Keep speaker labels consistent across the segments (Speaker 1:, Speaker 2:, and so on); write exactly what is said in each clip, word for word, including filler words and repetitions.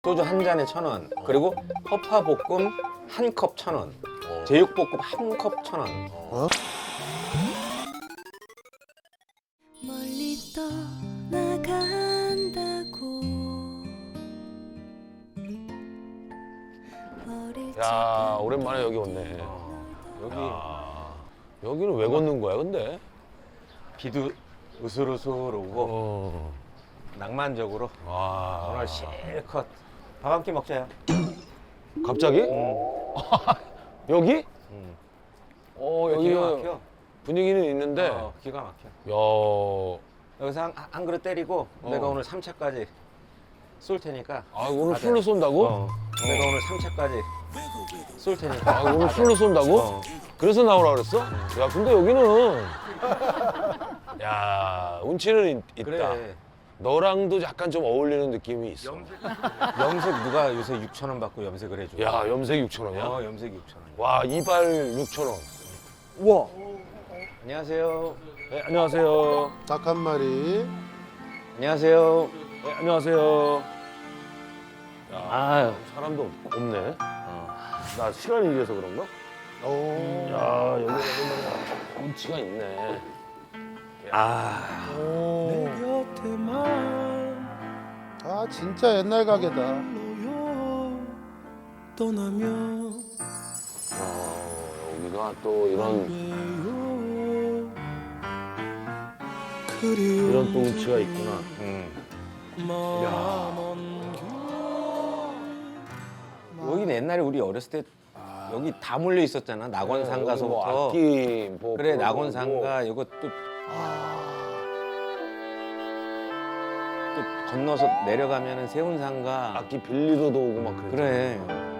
Speaker 1: 소주 한 잔에 천 원. 그리고 허파볶음 한 컵 천 원. 제육볶음 한 컵 천 원.
Speaker 2: 어?
Speaker 3: 멀리 떠나간다고 어릴
Speaker 2: 야 오랜만에 여기 왔네.
Speaker 1: 여기
Speaker 2: 야, 여기는 왜 걷는 거야 근데?
Speaker 1: 비도 으슬으슬 오고
Speaker 2: 어.
Speaker 1: 낭만적으로
Speaker 2: 와.
Speaker 1: 오늘 실컷 밥 한 끼 먹자요.
Speaker 2: 갑자기? 여기?
Speaker 1: 응.
Speaker 2: 어 여기
Speaker 1: 기가 막혀.
Speaker 2: 분위기는 있는데.
Speaker 1: 어, 기가 막혀.
Speaker 2: 야.
Speaker 1: 여기서 한, 한 그릇 때리고
Speaker 2: 어.
Speaker 1: 내가 오늘 삼 차까지 쏠 테니까.
Speaker 2: 아 오늘
Speaker 1: 가자.
Speaker 2: 술로 쏜다고?
Speaker 1: 어. 내가 오늘 삼 차까지 쏠 테니까.
Speaker 2: 아 오늘 술로 쏜다고?
Speaker 1: 어.
Speaker 2: 그래서 나오라 그랬어? 야 근데 여기는 야 운치는 있, 있다.
Speaker 1: 그래.
Speaker 2: 너랑도 약간 좀 어울리는 느낌이 있어.
Speaker 1: 염색 누가 요새 육천 원 받고 염색을 해줘.
Speaker 2: 야 염색 육천 원이야?
Speaker 1: 어, 염색 육천 원.
Speaker 2: 와 이발 육천 원.
Speaker 1: 우와. 안녕하세요.
Speaker 2: 네, 안녕하세요.
Speaker 4: 닭 한 마리.
Speaker 1: 안녕하세요.
Speaker 2: 네, 안녕하세요. 야,
Speaker 1: 아유.
Speaker 2: 사람도 없- 없네.
Speaker 1: 어.
Speaker 2: 나 시간이 이래서 그런가?
Speaker 4: 오.
Speaker 2: 야 여기 운치가 있네.
Speaker 1: 아.
Speaker 4: 오. 아 진짜 옛날 가게다.
Speaker 2: 어, 여기가 또 이런 이런 또 운치가 있구나.
Speaker 1: 음.
Speaker 2: 야.
Speaker 1: 여기는 옛날에 우리 어렸을 때 여기 다 몰려 있었잖아. 낙원상가서부터.
Speaker 2: 뭐 악기 뭐
Speaker 1: 그래,
Speaker 2: 그런
Speaker 1: 낙원상가 이거 또, 또 건너서 내려가면은 세운상가.
Speaker 2: 악기 빌리러도 오고 막 그랬잖아.
Speaker 1: 그래.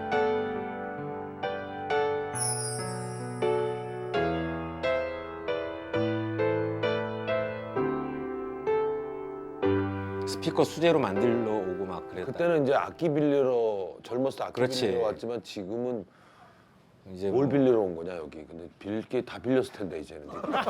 Speaker 1: 스피커 수제로 만들러 오고 막 그랬다.
Speaker 2: 그때는 이제 악기 빌리러 젊었을 때 악기
Speaker 1: 그렇지.
Speaker 2: 빌리러 왔지만 지금은
Speaker 1: 이제
Speaker 2: 뭘
Speaker 1: 뭐
Speaker 2: 빌리러 온 거냐 여기. 근데 빌릴 게 다 빌렸을 텐데 이제는.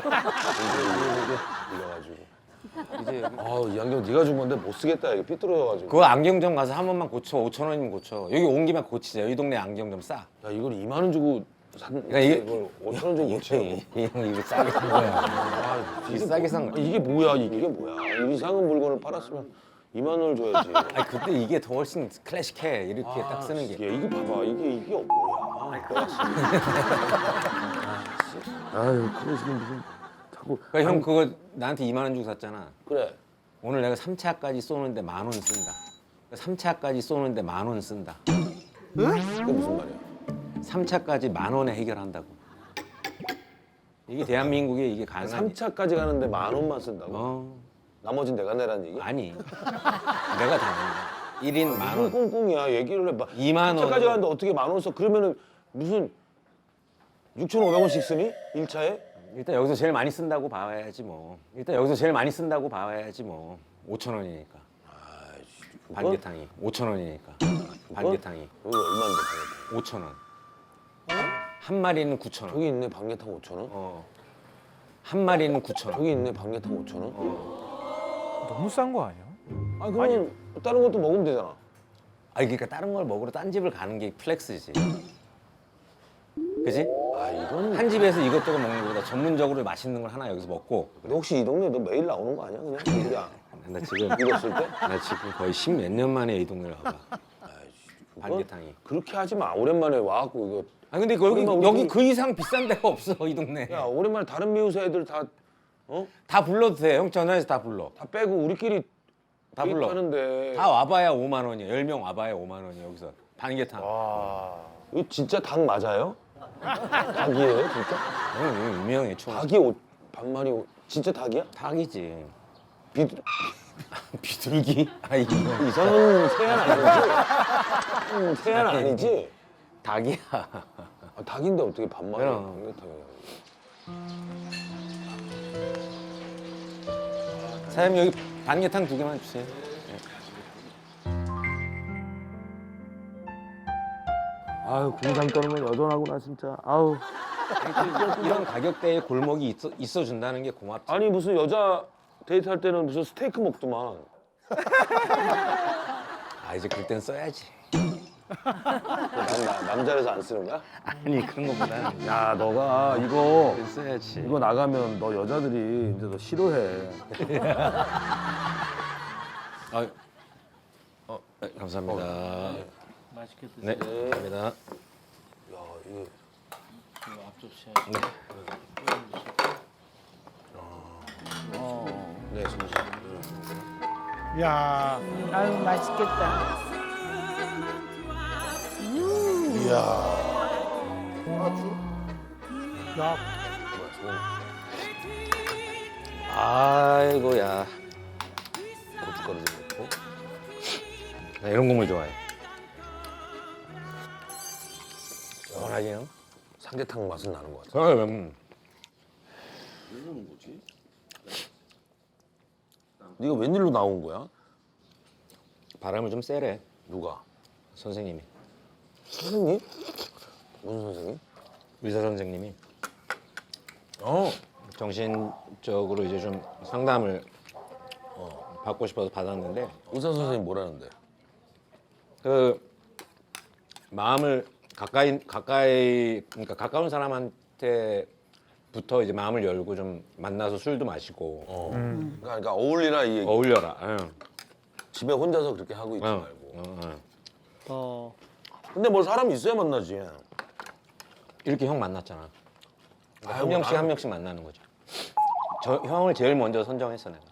Speaker 2: 빌려가지고.
Speaker 1: 이제 여기.
Speaker 2: 아이 안경 네가 준 건데 못 쓰겠다 이거 삐뚤어져가지고.
Speaker 1: 그거 안경점 가서 한 번만 고쳐. 오천 원이면 고쳐. 여기 온 김에 고치자. 이 동네 안경점 싸.
Speaker 2: 야 이걸 이만 원 주고 산
Speaker 1: 그러니까 이게-
Speaker 2: 이걸 오천 원 주고 못 치라고.
Speaker 1: 형 이거 싸게 산 거야.
Speaker 2: 아,
Speaker 1: 이게 싸게 산 거야.
Speaker 2: 이게 뭐야 이게 뭐야 이 이상한 물건을 팔았으면 이만 원을 줘야지.
Speaker 1: 아니 그때 이게 더 훨씬 클래식해. 이렇게 딱 쓰는 게.
Speaker 2: 야, 이게 봐봐 이게 이게 뭐야. 아유 클래식이 무슨 자꾸.
Speaker 1: 그러니까 형 그거 나한테 이만 원 주고 샀잖아.
Speaker 2: 그래.
Speaker 1: 오늘 내가 삼 차까지 쏘는데 만 원 쓴다. 삼 차까지 쏘는데 만 원 쓴다.
Speaker 2: 그게 무슨 말이야?
Speaker 1: 삼 차까지 만 원에 해결한다고. 이게 대한민국에 이게 가능한
Speaker 2: 삼 차까지 가는데 만 원만 쓴다고?
Speaker 1: 어
Speaker 2: 나머진 내가 내라는 얘기?
Speaker 1: 아니 내가 다 낸다. 일 인 만
Speaker 2: 무슨
Speaker 1: 원.
Speaker 2: 꽁꽁이야 얘기를 해봐.
Speaker 1: 이만 원.
Speaker 2: 삼 차까지 가는데 어떻게 만 원 써? 그러면은 무슨 육천오백 원씩 쓰니? 일 차에?
Speaker 1: 일단 여기서 제일 많이 쓴다고 봐야지 뭐. 일단 여기서 제일 많이 쓴다고 봐야지 뭐. 오천 원이니까.
Speaker 2: 아이씨 그거?
Speaker 1: 반개탕이 오천 원이니까. 반개탕이
Speaker 2: 여기 얼마인데 방개탕?
Speaker 1: 오천 원. 한 마리는 구천 원.
Speaker 2: 저기 있네 방개탕 오천 원?
Speaker 1: 어. 한 마리는 구천 원.
Speaker 2: 저기 있네 방개탕 오천 원?
Speaker 5: 너무 싼 거 아니야?
Speaker 2: 아니 그러면 다른 것도 먹으면 되잖아.
Speaker 1: 아니 그러니까 다른 걸 먹으러 딴 집을 가는 게 플렉스지. 그지?
Speaker 2: 아 이건
Speaker 1: 한 집에서 이것저것 먹는 것보다 전문적으로 맛있는 걸 하나 여기서 먹고.
Speaker 2: 근데 혹시 이 동네 너 매일 나오는 거 아니야 그냥? 그냥
Speaker 1: 나 지금
Speaker 2: 이랬을 때?
Speaker 1: 나 지금 거의 십몇 년 만에 이 동네를 와봐.
Speaker 2: 아이씨 그거
Speaker 1: 반개탕이.
Speaker 2: 그렇게 하지 마. 오랜만에 와갖고 이거
Speaker 1: 아 근데 여기
Speaker 2: 그러면 우리
Speaker 1: 여기
Speaker 2: 그-
Speaker 1: 그 이상 비싼 데가 없어 이 동네.
Speaker 2: 야 오랜만에 다른 미우새 애들 다 어?
Speaker 1: 다 불러도 돼. 형 전화해서 다 불러.
Speaker 2: 다 빼고 우리끼리
Speaker 1: 다 불러.
Speaker 2: 하는데
Speaker 1: 다 와봐야 오만 원이야. 열 명 와봐야 오만 원이야 여기서. 반개탕.
Speaker 2: 와 이거 진짜 닭 맞아요? 닭이에요 진짜?
Speaker 1: 형 이거 유명해 추억.
Speaker 2: 닭이 옷 반마리 옷 진짜 닭이야?
Speaker 1: 닭이지.
Speaker 2: 비둘
Speaker 1: 비둘기? 아 이거
Speaker 2: 이상한 새는 아니지? 음, 새는 아니지?
Speaker 1: 닭이야.
Speaker 2: 아, 닭인데 어떻게 반마리
Speaker 1: 그럼.
Speaker 2: 방개탕이야?
Speaker 1: 사장님 여기 반개탕 두 개만 주세요.
Speaker 2: 아유 공상 떨면 여전하구나 진짜. 아우.
Speaker 1: 이런 가격대에 골목이 있어, 있어 준다는 게 고맙지.
Speaker 2: 아니 무슨 여자 데이트할 때는 무슨 스테이크 먹더만.
Speaker 1: 아 이제 그럴 땐 써야지.
Speaker 2: 남, 나, 남자라서 안 쓰는 거야?
Speaker 1: 아니 그런 거보다는
Speaker 2: 야 너가 이거
Speaker 1: 그땐 써야지.
Speaker 2: 이거 나가면 너 여자들이 이제 너 싫어해.
Speaker 1: 아, 어, 네, 감사합니다.
Speaker 5: 맛있게 드세요.
Speaker 1: 네, 감사합니다.
Speaker 2: 야 이거
Speaker 5: 이거 앞접시
Speaker 1: 네.
Speaker 2: 네 잠시.
Speaker 4: 야,
Speaker 6: 아유 맛있겠다.
Speaker 4: 이야. 야,
Speaker 1: 아이고야.
Speaker 2: 고춧가루 좀 넣고.
Speaker 1: 나 이런 국물 좋아해. 시원하지요?
Speaker 2: 삼계탕 맛은 나는 것 같아.
Speaker 1: 그럼
Speaker 2: 네가 웬일로 나온 거야?
Speaker 1: 바람을 좀 쐬래.
Speaker 2: 누가?
Speaker 1: 선생님이.
Speaker 2: 선생님? 무슨 선생님?
Speaker 1: 의사 선생님이
Speaker 2: 어.
Speaker 1: 정신적으로 이제 좀 상담을 어, 받고 싶어서 받았는데
Speaker 2: 의사 선생님 뭐라는데?
Speaker 1: 그 마음을 가까이 가까이 그러니까 가까운 사람한테부터 이제 마음을 열고 좀 만나서 술도 마시고
Speaker 2: 어. 그러니까, 그러니까 어울리라 이 얘기.
Speaker 1: 어울려라. 응.
Speaker 2: 집에 혼자서 그렇게 하고 있지
Speaker 1: 어,
Speaker 2: 말고.
Speaker 1: 어, 어.
Speaker 5: 어.
Speaker 2: 근데 뭘 사람이 있어야 만나지.
Speaker 1: 이렇게 형 만났잖아. 그러니까
Speaker 2: 아이고,
Speaker 1: 한 명씩
Speaker 2: 나는-
Speaker 1: 한 명씩 만나는 거죠. 저 형을 제일 먼저 선정했어 내가.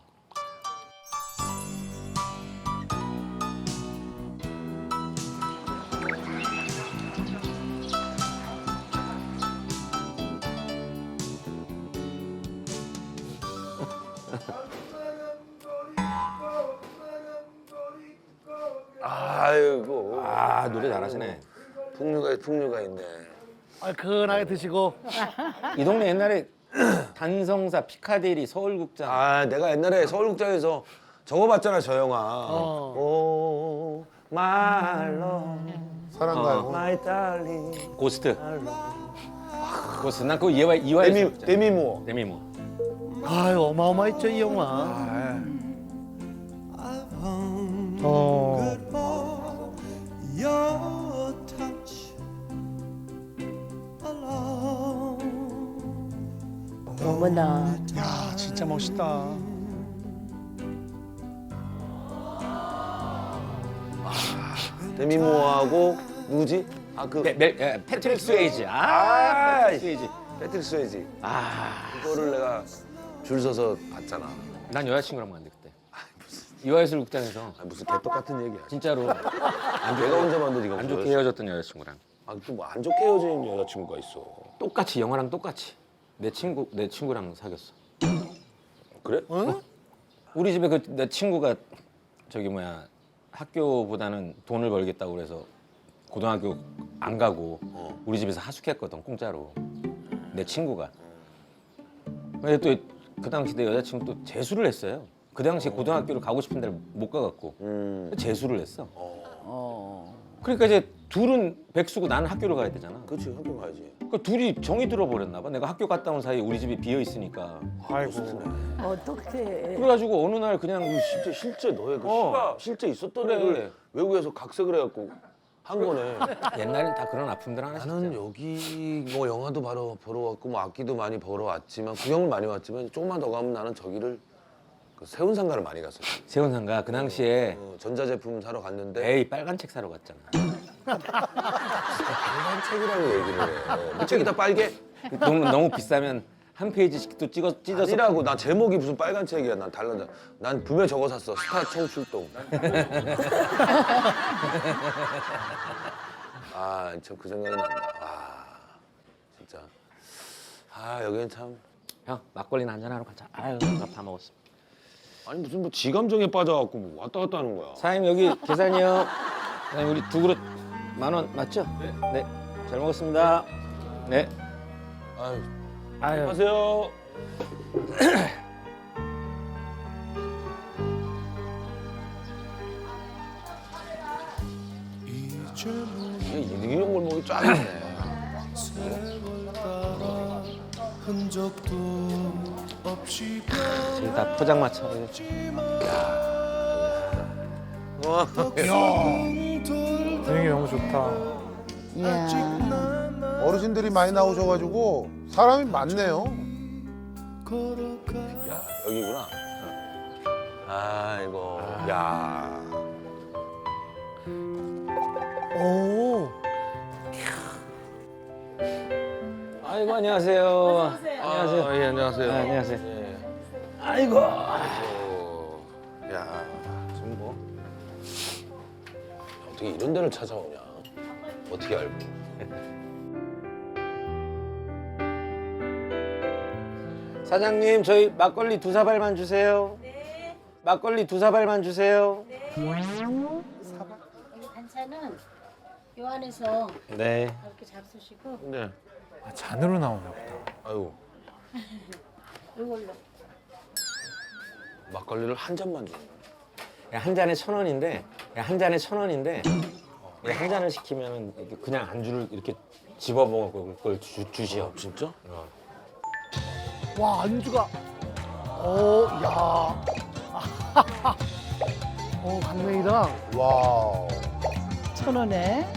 Speaker 2: 아이고.
Speaker 1: 아 노래 잘하시네.
Speaker 2: 풍류가 풍류가 있네.
Speaker 4: 얼큰하게 드시고.
Speaker 1: 이 동네 옛날에 단성사 피카데리 서울극장.
Speaker 2: 아 내가 옛날에 서울극장에서 저거 봤잖아 저 영화.
Speaker 4: 어.
Speaker 2: 오 말로
Speaker 4: 사랑가요.
Speaker 2: 마이 달링.
Speaker 1: 고스트. 고스트. 난 그거 이화 이화에서
Speaker 2: 데미
Speaker 1: 봤잖아.
Speaker 2: 데미모.
Speaker 1: 데미모.
Speaker 4: 아유, 어마어마했죠, 이 영화. 어.
Speaker 3: Your touch alone.
Speaker 6: 어머나.
Speaker 5: 야 진짜 멋있다.
Speaker 2: 데미모하고 누구지? 아그
Speaker 1: 멜, 멜, 에, 패트릭 스웨이지. 아,
Speaker 2: 아,
Speaker 1: 패트릭 스웨이지.
Speaker 2: 패트릭 스웨이지.
Speaker 1: 아,
Speaker 2: 그거를 내가 줄 서서 봤잖아.
Speaker 1: 난 여자친구랑 봤는데 그때. 이화예술 극장에서
Speaker 2: 아, 무슨 개떡 같은 얘기야.
Speaker 1: 진짜로
Speaker 2: 안 내가 혼자 봤는데 네가
Speaker 1: 안
Speaker 2: 무슨
Speaker 1: 좋게 헤어졌던 여자친구랑
Speaker 2: 아또뭐안 좋게 헤어진 여자친구가 있어.
Speaker 1: 똑같이 영화랑 똑같이 내 친구 내 친구랑 사귀었어.
Speaker 2: 그래?
Speaker 1: 우리 집에 그 내 친구가 저기 뭐야 학교보다는 돈을 벌겠다고 그래서 고등학교 안 가고 우리 집에서 하숙했거든 공짜로 내 친구가. 근데 또 그 당시 내 여자친구 또 재수를 했어요. 그 당시 고등학교를 가고 싶은 데를 못 가갖고
Speaker 2: 음.
Speaker 1: 재수를 했어.
Speaker 6: 어.
Speaker 1: 그러니까 이제 둘은 백수고 나는 학교를 가야 되잖아.
Speaker 2: 그렇지 학교 가야지.
Speaker 1: 그러니까 둘이 정이 들어버렸나 봐. 내가 학교 갔다 온 사이에 우리 집이 비어 있으니까.
Speaker 5: 아이고.
Speaker 6: 어떡해.
Speaker 1: 그래가지고 어느 날 그냥
Speaker 2: 실제 실제 너의 그
Speaker 1: 어.
Speaker 2: 시가 실제 있었던
Speaker 1: 그래.
Speaker 2: 애를 외국에서 각색을 해갖고 한 거네.
Speaker 1: 옛날엔 다 그런 아픔들 하나씩
Speaker 2: 나는
Speaker 1: 있잖아.
Speaker 2: 여기 뭐 영화도 바로 보러 왔고 뭐 악기도 많이 보러 왔지만 구경을 많이 왔지만 조금만 더 가면 나는 저기를 그 세운상가를 많이 갔었어.
Speaker 1: 세운상가 그 당시에
Speaker 2: 어, 전자제품 사러 갔는데
Speaker 1: 에이 빨간 책 사러 갔잖아.
Speaker 2: 빨간 책이라는 얘기를 해. 뭐 책이 다 빨개?
Speaker 1: 너무 너무 비싸면 한 페이지씩 또 찍어 찢어서
Speaker 2: 아니라고. 나 제목이 무슨 빨간 책이야. 난 달라. 난 분명 저거 샀어. 스타 청출동. 아, 참 그 생각이 난다. 와, 진짜. 아, 여기는 참.
Speaker 1: 형 막걸리나 한잔 하러 가자. 아유 밥 다 먹었어.
Speaker 2: 아니 무슨 뭐 지감정에 빠져갖고 뭐 왔다 갔다 하는 거야.
Speaker 1: 사장님 여기 계산이요. 사장님 우리 두 그릇 만 원 맞죠? 네. 잘 먹었습니다. 네.
Speaker 2: 아유,
Speaker 1: 아유.
Speaker 2: 안녕하세요. 이게 이런 걸 먹이 쫙 있네.
Speaker 3: 흔적도 없이
Speaker 1: 지금 다 포장마차.
Speaker 2: 어,
Speaker 5: 분위기 너무 좋다.
Speaker 6: 이야.
Speaker 4: 어르신들이 많이 나오셔가지고 사람이 많네요.
Speaker 2: 야 여기구나. 아이고. 야.
Speaker 4: 오.
Speaker 1: 아이고 안녕하세요. 안녕하세요.
Speaker 2: 아, 예, 안녕하세요.
Speaker 1: 아, 안녕하세요.
Speaker 2: 예.
Speaker 1: 아이고.
Speaker 2: 아이고. 야, 지금 뭐 어떻게 이런 데를 찾아오냐? 어떻게 알고?
Speaker 1: 사장님 저희 막걸리 두 사발만 주세요. 네. 막걸리 두 사발만 주세요.
Speaker 7: 반찬은 요 안에서
Speaker 1: 네.
Speaker 7: 이렇게 잡수시고
Speaker 2: 네.
Speaker 5: 아, 잔으로 나오나 보다.
Speaker 2: 아유,
Speaker 7: 이걸로
Speaker 2: 막걸리를 한 잔만 줘.
Speaker 1: 한 잔에 천 원인데 한 잔에 천 원인데 한 잔을 시키면 그냥 안주를 이렇게 집어먹을 걸 주, 주시오.
Speaker 2: 진짜?
Speaker 4: 와 안주가. 오 야. 어 강냉이랑. 와.
Speaker 6: 천 원에.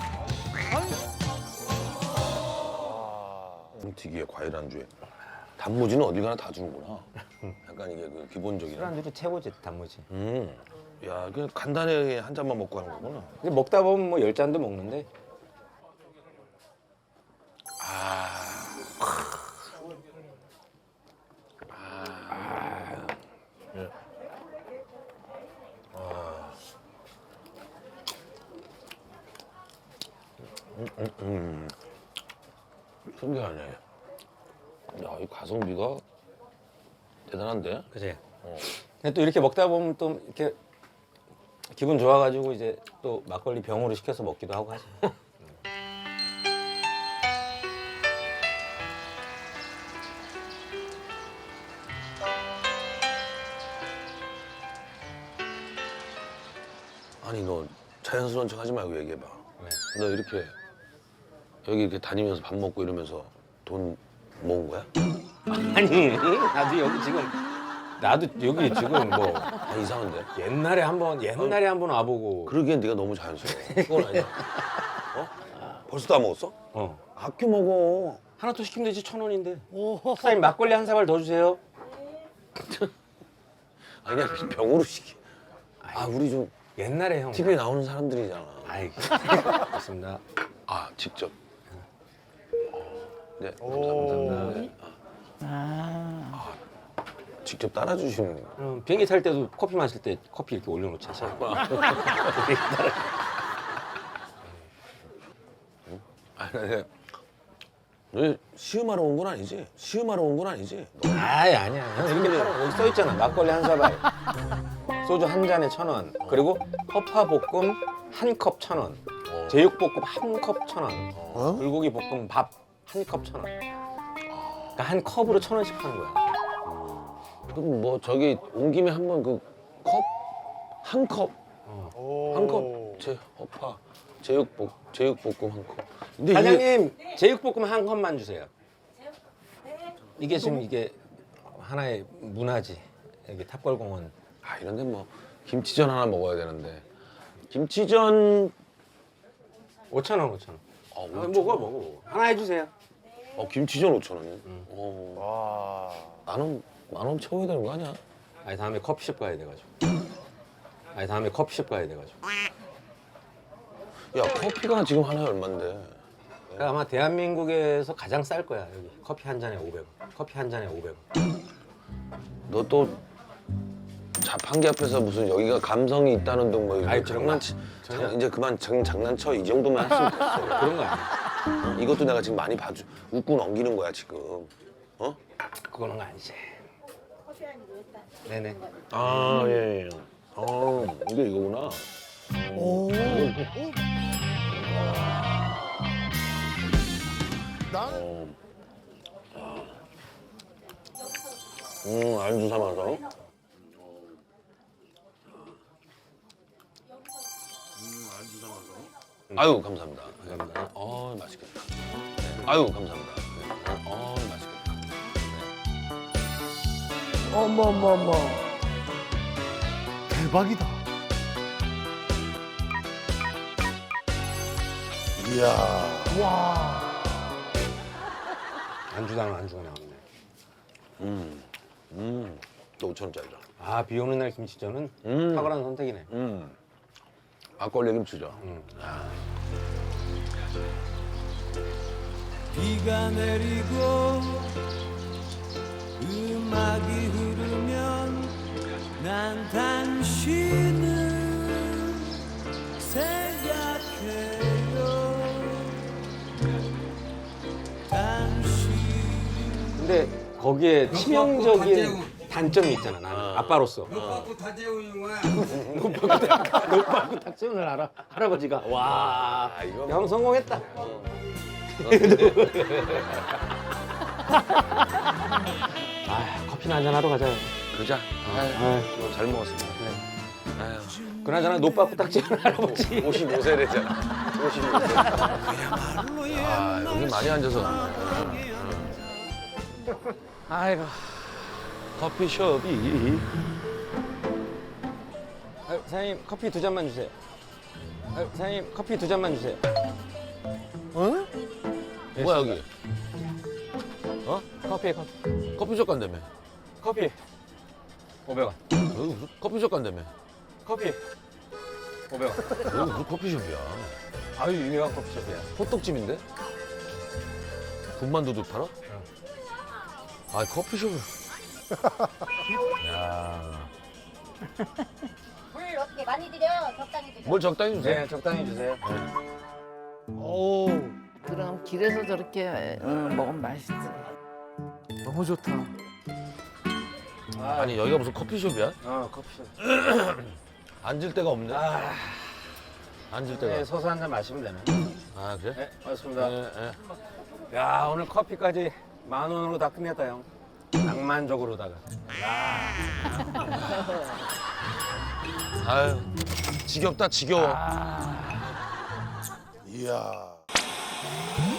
Speaker 2: 튀기에 과일 안주에 단무지는 어디 가나 다 주는구나. 약간 이게 그 기본적인.
Speaker 1: 술안주도 최고지 단무지.
Speaker 2: 음. 야, 그냥 간단하게 한 잔만 먹고 하는 거구나.
Speaker 1: 근데 먹다 보면 뭐 열 잔도 먹는데
Speaker 2: 신기하네. 야, 이 가성비가 대단한데?
Speaker 1: 그지. 근데 또 이렇게 먹다 보면 또 이렇게 기분 좋아가지고 이제 또 막걸리 병으로 시켜서 먹기도 하고 하지.
Speaker 2: 아니 너 자연스러운 척 하지 말고 얘기해봐.
Speaker 1: 네.
Speaker 2: 너 이렇게 여기 이렇게 다니면서 밥 먹고 이러면서 돈 모은 거야?
Speaker 1: 아니 나도 여기 지금 나도 여기 지금 뭐
Speaker 2: 아 이상한데?
Speaker 1: 옛날에 한번 옛날에 한번 와보고
Speaker 2: 그러기엔 네가 너무 자연스러워. 그건 아니야. 어? 벌써 다 먹었어?
Speaker 1: 어
Speaker 2: 아껴 먹어.
Speaker 1: 하나 더 시키면 되지 천 원인데.
Speaker 4: 오.
Speaker 1: 사장님 막걸리 한 사발 더 주세요.
Speaker 2: 아니 그냥 병으로 시키. 아 우리 좀
Speaker 1: 옛날에 형.
Speaker 2: 티비에 나오는 사람들이잖아.
Speaker 1: 아이 맞습니다.
Speaker 2: 아 직접. 네
Speaker 4: 오.
Speaker 2: 감사합니다. 네.
Speaker 6: 아.
Speaker 2: 직접 따라주시는.
Speaker 1: 그럼 비행기 탈 때도 커피 마실 때 커피 이렇게 올려놓잖아.
Speaker 2: 아 근데 너 시음하러 온 건 아니지? 시음하러 온 건 아니지? 너
Speaker 1: 아이 아니야. 형 이렇게 팔아. 여기 써 있잖아. 막걸리 한 사발, 소주 한 잔에 천 원, 그리고 허파 볶음 한 컵 천 원, 제육 볶음 한 컵 천 원,
Speaker 4: 어?
Speaker 1: 불고기 볶음 밥 한 컵 천 원. 그러니까 한 컵으로 천 원씩 파는 거야.
Speaker 2: 그럼 뭐 저기 온 김에 한번 그 컵? 한 컵?
Speaker 4: 오.
Speaker 2: 한 컵? 제 허파 제육볶 제육볶음 한 컵. 근데 이게
Speaker 1: 사장님 제육 볶음 한 컵만 주세요. 이게 지금 이게 하나의 문화지. 여기 탑골공원.
Speaker 2: 아 이런데 뭐 김치전 하나 먹어야 되는데 김치전
Speaker 1: 오천 원, 오천 원.
Speaker 2: 아,
Speaker 1: 아,
Speaker 2: 오천
Speaker 1: 먹어, 먹어. 하나 해주세요.
Speaker 2: 어 김치전 오천 원이요? 어.
Speaker 4: 와.
Speaker 2: 만원 만원 채워야 되는 거 아니야?
Speaker 1: 아니 다음에 커피숍 가야 돼가지고. 아니 다음에 커피숍 가야 돼가지고.
Speaker 2: 야 커피가 지금 하나에 얼만데?
Speaker 1: 그러니까 아마 대한민국에서 가장 쌀 거야 여기. 커피 한 잔에 오백 원. 커피 한 잔에 오백 원.
Speaker 2: 너 또 자판기 앞에서 무슨 여기가 감성이 있다는 둥뭐 이거
Speaker 1: 아이, 그런 거
Speaker 2: 장난치
Speaker 1: 전혀.
Speaker 2: 장, 이제 그만 장, 장난쳐 이 정도만 했으면 됐어.
Speaker 1: 그런 거 아니야.
Speaker 2: 이것도 내가 지금 많이 봐주 웃고 넘기는 거야 지금. 어?
Speaker 1: 그거는 아니지. 네네.
Speaker 2: 아 예. 예. 어 이게 이거구나.
Speaker 4: 오. 난
Speaker 2: 어. 음 안주 삼아서. 아유 감사합니다.
Speaker 1: 감사합니다.
Speaker 2: 어 맛있겠다. 네. 아유 감사합니다. 네. 어 맛있겠다.
Speaker 6: 어머 어머 어머.
Speaker 4: 대박이다.
Speaker 2: 이야.
Speaker 1: 안주당 안주가 나오네.
Speaker 2: 음. 음. 또 오천 원짜리다.
Speaker 1: 아, 비 오는 날 김치전은
Speaker 2: 음.
Speaker 1: 탁월한 선택이네.
Speaker 2: 음. 막걸리 김치죠.
Speaker 3: 비가 내리고 음악이 흐르면 난 당신을 생각해요. 당신
Speaker 1: 근데 거기에 치명적인 단점이 있잖아. 나는 아빠로서.
Speaker 8: 노빠꾸 다재우용아.
Speaker 1: 노빠꾸 탁재훈을 알아. 할아버지가. 와,
Speaker 2: 아, 이거
Speaker 1: 형 성공했다. 아, 커피나 한잔 하러 가자요.
Speaker 2: 그자.
Speaker 1: 아,
Speaker 2: 이거 잘 먹었습니다. 아유.
Speaker 1: 그나저나 노빠꾸 탁재훈 할아버지.
Speaker 2: 오십오 세래잖아. 오십오 세. 아, 여기 많이 앉아서.
Speaker 1: 아이고.
Speaker 2: 커피숍이.
Speaker 1: 아, 사장님 커피 두 잔만 주세요. 아, 사장님 커피 두 잔만 주세요.
Speaker 2: 어? 뭐야, 여기? 어?
Speaker 1: 커피 커피
Speaker 2: 커피숍 간다며.
Speaker 1: 커피 오백 원.
Speaker 2: 여기 무슨 커피숍 간다며.
Speaker 1: 커피 오백 원.
Speaker 2: 여기 무슨 커피숍이야.
Speaker 1: 아유 유명한 커피숍이야.
Speaker 2: 호떡집인데? 군만두도 팔아? 아, 커피숍을. 야.
Speaker 7: 물 어떻게 많이 드려? 적당히 드려.
Speaker 2: 뭘 적당히 주세요.
Speaker 1: 네 적당히 주세요.
Speaker 4: 오.
Speaker 6: 그럼 길에서 저렇게 응, 먹으면 맛있지.
Speaker 5: 너무 좋다.
Speaker 2: 아니, 여기가 무슨 커피숍이야?
Speaker 1: 어 커피숍.
Speaker 2: 앉을 데가 없네.
Speaker 1: 아,
Speaker 2: 앉을 데가.
Speaker 1: 네, 서서 한 잔 마시면 되네.
Speaker 2: 아, 그래?
Speaker 1: 네 맞습니다.
Speaker 2: 네, 네.
Speaker 1: 야 오늘 커피까지 만 원으로 다 끝냈다 형. 낭만적으로다가.
Speaker 2: 아유, 지겹다, 지겨워.
Speaker 4: 이야.